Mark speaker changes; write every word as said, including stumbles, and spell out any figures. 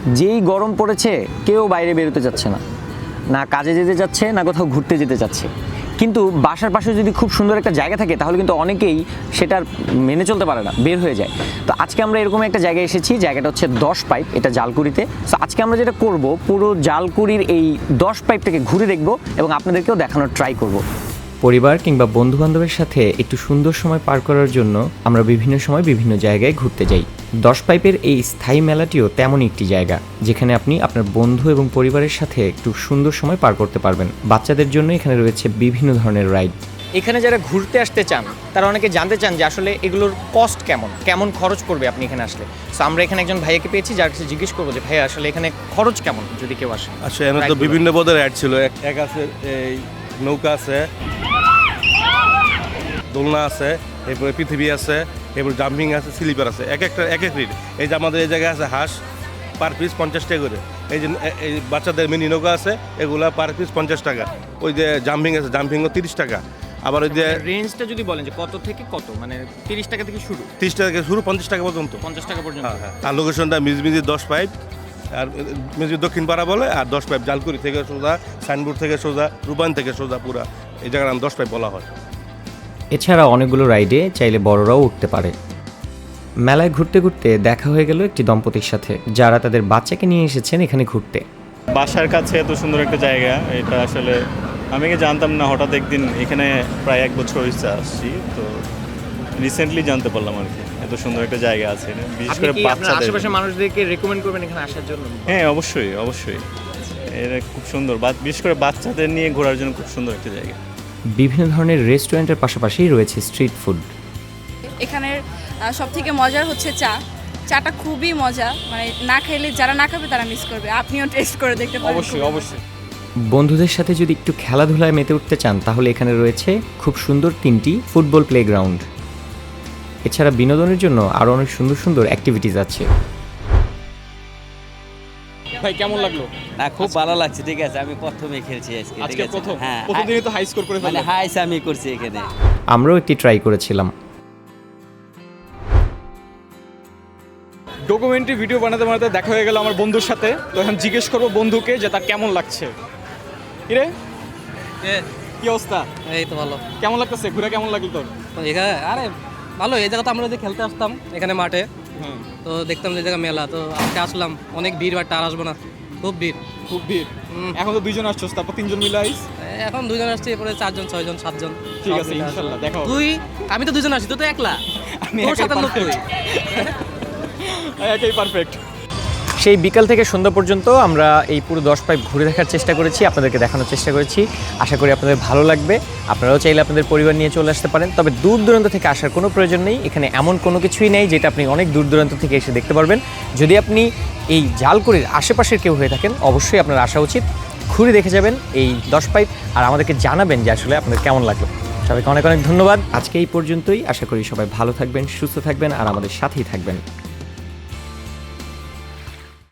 Speaker 1: যেই গরম পড়েছে কেউ বাইরে বেরোতে যাচ্ছে না, না কাজে যেতে যাচ্ছে না কোথাও ঘুরতে যেতে যাচ্ছে। কিন্তু বাসার পাশে যদি খুব সুন্দর একটা জায়গা থাকে তাহলে কিন্তু অনেকেই সেটার মেনে চলতে পারে না, বের হয়ে যায়। তো আজকে আমরা এরকম একটা জায়গায় এসেছি, জায়গাটা হচ্ছে দশ পাইপ, এটা জালকুড়িতে। তো আজকে আমরা যেটা করব, পুরো জালকুড়ির এই দশ পাইপটাকে ঘুরে দেখব এবং আপনাদেরকেও দেখানোর ট্রাই করব। পরিবার কিংবা বন্ধুবান্ধবের সাথে একটু সুন্দর সময় পার করার জন্য আমরা বিভিন্ন সময় বিভিন্ন জায়গায় ঘুরতে যাই। দশ পাইপের এই স্থায়ী মেলাটিও তেমনই একটি জায়গা, যেখানে আপনি আপনার বন্ধু এবং পরিবারের সাথে একটু সুন্দর সময় পার করতে পারবেন। বাচ্চাদের জন্য এখানে রয়েছে বিভিন্ন ধরনের রাইড। এখানে যারা ঘুরতে আসতে চান তারা অনেকে জানতে চান যে আসলে এগুলোর কস্ট কেমন, কেমন খরচ পড়বে আপনি এখানে আসলে। সো আমরা এখানে একজন ভাইয়াকে পেয়েছি, যার কাছে জিজ্ঞেস করবো যে ভাইয়া আসলে এখানে খরচ কেমন যদি কেউ আসে।
Speaker 2: আচ্ছা, এখানে তো বিভিন্ন পদের রাইড ছিল। এক আছে এই নৌকা আছে, দোলনা আছে, এরপরে পৃথিবী আছে, এরপরে জাম্পিং আছে, স্লিপার আছে, এক একটা এক এক রিড। এই যে আমাদের এই জায়গায় আছে হাঁস, পার পিস পঞ্চাশ টাকা করে। এই যে এই বাচ্চাদের মিনি নৌকা আছে, এগুলা পার পিস পঞ্চাশ টাকা। ওই যে জাম্পিং আছে, জাম্পিংও তিরিশ টাকা। আবার ওই যে
Speaker 1: রেঞ্জটা যদি বলেন যে কত থেকে কত, মানে তিরিশ টাকা থেকে শুরু?
Speaker 2: তিরিশ টাকা থেকে শুরু, পঞ্চাশ টাকা পর্যন্ত।
Speaker 1: পঞ্চাশ টাকা পর্যন্ত।
Speaker 2: হ্যাঁ হ্যাঁ। আর লোকেশনটা মিজমিজি দশ পাইপ, আর মিজমি দক্ষিণ পাড়া বলে, আর দশ পাইপ জালকুড়ি থেকে সোজা, সাইনবোর্ড থেকে সোজা, রূপায়ণ থেকে সোজা পুরা এই জায়গার নাম দশ পাইপ বলা হয়।
Speaker 1: এছাড়া অনেকগুলো রাইডে চাইলে বড়রাও উঠতে পারে। মেলায় ঘুরতে ঘুরতে দেখা হয়ে গেল একটি দম্পতির সাথে, যারা তাদের বাচ্চাকে নিয়ে এসেছেন এখানে ঘুরতে।
Speaker 3: বাসার কাছে এত সুন্দর একটা জায়গা, এটা আসলে আমি কি জানতাম না। হঠাৎ একদিন এখানে প্রায় এক বছর হয়েছে আসছি, তো রিসেন্টলি জানতে পারলাম আর কি এত সুন্দর একটা জায়গা আছে, বিশেষ করে বাচ্চাদের।
Speaker 1: আশেপাশের মানুষদেরকে রেকমেন্ড করবেন এখানে আসার জন্য?
Speaker 3: হ্যাঁ, অবশ্যই অবশ্যই, এটা খুব সুন্দর, বিশেষ করে বাচ্চাদের নিয়ে ঘোরার জন্য খুব সুন্দর একটা জায়গা।
Speaker 1: বিভিন্ন ধরনের রেস্টুরেন্টের পাশাপাশি রয়েছে স্ট্রিট ফুড।
Speaker 4: এখানের সব থেকে মজার হচ্ছে চা। চাটা খুবই মজা, মানে না খাইলে যারা না খাবে তারা মিস করবে। আপনিও টেস্ট করে দেখতে পারেন।
Speaker 3: অবশ্যই অবশ্যই।
Speaker 1: বন্ধুদের সাথে যদি একটু খেলাধুলায় মেতে উঠতে চান তাহলে এখানে রয়েছে খুব সুন্দর তিনটি ফুটবল প্লেগ্রাউন্ড। এছাড়া বিনোদনের জন্য আরও অনেক সুন্দর সুন্দর অ্যাক্টিভিটিস আছে।
Speaker 5: ভাই কেমন লাগলো?
Speaker 6: না, খুব ভালো লাগছে। ঠিক আছে, আমি প্রথমে খেলছি আজকে। ঠিক
Speaker 5: আজকে
Speaker 6: আছে,
Speaker 5: প্রথম
Speaker 6: হ্যাঁ,
Speaker 5: প্রথম দিনে তো হাই স্কোর করে
Speaker 6: মানে
Speaker 5: ফেললেন।
Speaker 6: হাইস আমি করছি এখানে।
Speaker 1: আমরাও একটি ট্রাই করেছিলাম।
Speaker 5: ডকুমেন্টারি ভিডিও বানাতে বানাতে দেখা হয়ে গেল আমার বন্ধুর সাথে। তো এখন জিজ্ঞেস করবো বন্ধুকে যে তার কেমন লাগছে। কিরে, কি অবস্থা?
Speaker 7: এই তো ভালো।
Speaker 5: কেমন লাগতেছে? ঘুরে কেমন লাগলো তোর?
Speaker 7: এখানে আরে ভালো, এই জায়গা তো আমরা যে খেলতে আসতাম এখানে মাঠে,
Speaker 5: হুম,
Speaker 7: তো দেখতাম যে জায়গা মেলা, তো আজকে আসলাম। অনেক ভিড়, বাট আর আসবো না, খুব ভিড়।
Speaker 5: খুব ভিড়।
Speaker 7: হুম।
Speaker 5: এখন তো দুইজন আসছোস, তারপর তিনজন মিলে আইস।
Speaker 7: এখন দুজন আসছে, এরপরে চারজন, ছয়জন, সাতজন।
Speaker 5: ঠিক
Speaker 7: সব
Speaker 5: আছে,
Speaker 7: মিলে
Speaker 5: ইনশাল্লাহ
Speaker 7: আসবো।
Speaker 5: দেখা হবে।
Speaker 7: তুই, আমি তো দুজন আসছি, তুই তো একলা।
Speaker 5: আমি
Speaker 7: তোর
Speaker 5: একাই
Speaker 7: সাথে লোক কই?
Speaker 5: একাই পারফেক্ট।
Speaker 1: সেই বিকাল থেকে সন্ধ্যা পর্যন্ত আমরা এই পুরো দশ পাইপ ঘুরে দেখার চেষ্টা করেছি, আপনাদেরকে দেখানোর চেষ্টা করেছি। আশা করি আপনাদের ভালো লাগবে। আপনারাও চাইলে আপনাদের পরিবার নিয়ে চলে আসতে পারেন, তবে দূর দূরান্ত থেকে আসার কোনো প্রয়োজন নেই। এখানে এমন কোনো কিছুই নেই যেটা আপনি অনেক দূর দূরান্ত থেকে এসে দেখতে পারবেন। যদি আপনি এই জালকুড়ির আশেপাশের কেউ হয়ে থাকেন, অবশ্যই আপনার আসা উচিত। ঘুরে দেখে যাবেন এই দশ পাইপ, আর আমাদেরকে জানাবেন যে আসলে আপনাদের কেমন লাগলো। সবাইকে অনেক অনেক ধন্যবাদ। আজকে এই পর্যন্তই। আশা করি সবাই ভালো থাকবেন, সুস্থ থাকবেন আর আমাদের সাথেই থাকবেন।